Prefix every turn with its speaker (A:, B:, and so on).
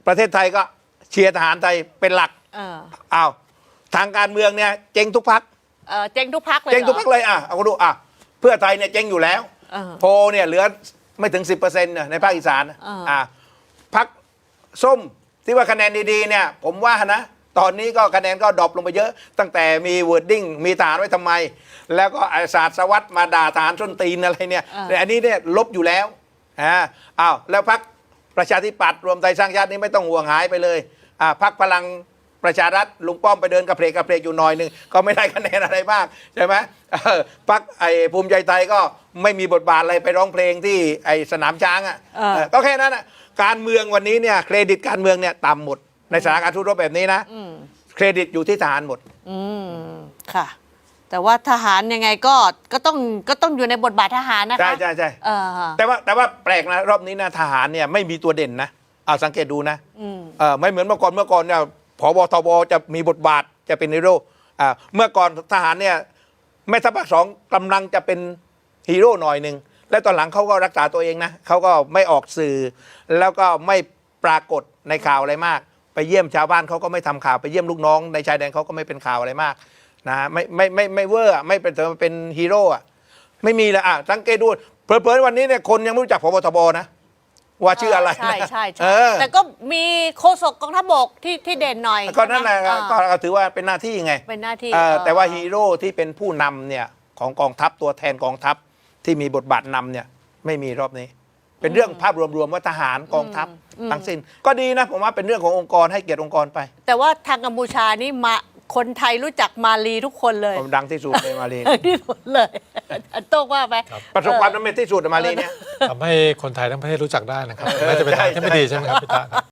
A: ประเทศไทยก็เชียร์ทหารไทยเป็นหลักอ้าวทางการเมืองเนี่ยเจ๊งทุกพรรค
B: เจ๊งทุกพรรคเลย
A: เจ๊งทุกพรรคเลยเอาดูเพื่อไทยเนี่ยเจ๊งอยู่แล้วโพเนี่ยเหลือไม่ถึง 10%ในภาคอีสานพรรคส้มที่ว่าคะแนนดีๆเนี่ยผมว่านะตอนนี้ก็คะแนนก็ดรอปลงไปเยอะตั้งแต่มีวอร์ดดิ้งมีทหารไว้ทำไมแล้วก็ศาสตร์สวัสดิ์มาด่าทหารส้นตีนอะไรเนี่ยแต่อันนี้เนี่ยลบอยู่แล้วแล้วพรรคประชาธิปัตย์รวมไทยสร้างชาตินี่ไม่ต้องห่วงหายไปเลยพรรคพลังประชารัฐลุงป้อมไปเดินกระเพลกอยู่หน่อยนึงก็ไม่ได้คะแนนอะไรมากใช่ไหมพรรคภูมิใจไทยก็ไม่มีบทบาทอะไรไปร้องเพลงที่สนามช้างก็แค่นั้นการเมืองวันนี้เนี่ยเครดิตการเมืองเนี่ยต่ำหมดในสถานการณ์ทุรบแบบนี้นะเครดิตอยู่ที่ทหารหมด
B: ค่ะแต่ว่าทหารยังไงก็ต้องอยู่ในบทบาททหารนะคะ
A: ใช่แต่ว่าแปลกนะรอบนี้นะทหารเนี่ยไม่มีตัวเด่นนะเอาสังเกตดูนะไม่เหมือนเมื่อก่อนเนี่ยผบทบจะมีบทบาทจะเป็นฮีโร่เมื่อก่อนทหารเนี่ยแม่ทัพภาค 2กำลังจะเป็นฮีโร่หน่อยหนึ่งและตอนหลังเขาก็รักษาตัวเองนะเขาก็ไม่ออกสื่อแล้วก็ไม่ปรากฏในข่าวอะไรมากไปเยี่ยมชาวบ้านเขาก็ไม่ทำข่าวไปเยี่ยมลูกน้องในชายแดนเขาก็ไม่เป็นข่าวอะไรมากนะไม่เวอร์ไม่เป็นฮีโร่ไม่มีเลยสังเกตดูเผลอๆวันนี้เนี่ยคนยังไม่รู้จักผบทบนะว่าชื่ออะไร
B: ใช่แต่ก็มีโฆษกกองทัพบกที่เด่นหน่อย
A: ก็นั่นแหละก็ถือว่าเป็นหน้าที่ไง
B: เป็นหน้าที่
A: แต่ว่าฮีโร่ที่เป็นผู้นำเนี่ยของกองทัพตัวแทนกองทัพที่มีบทบาทนำเนี่ยไม่มีรอบนี้เป็นเรื่องภาพรวมๆว่าทหารกองทัพทั้งสิ้นก็ดีนะผมว่าเป็นเรื่องขององค์กรให้เกียรติองค์กรไป
B: แต่ว่าทางกัมพูชานี่คนไทยรู้จักมาลีทุกคนเลย
A: ดังที่สุดเลยมาลี
B: ที่สุดเลยโต้งว่าไหม
A: ประสบความสำเร็จที่สุดมาลีเนี่ย
C: ทำให้คนไทยทั้งประเทศรู้จักได้นะครับไม่จะเป็นทางที่ไม่ดีใช่ไหมครับพี่ตา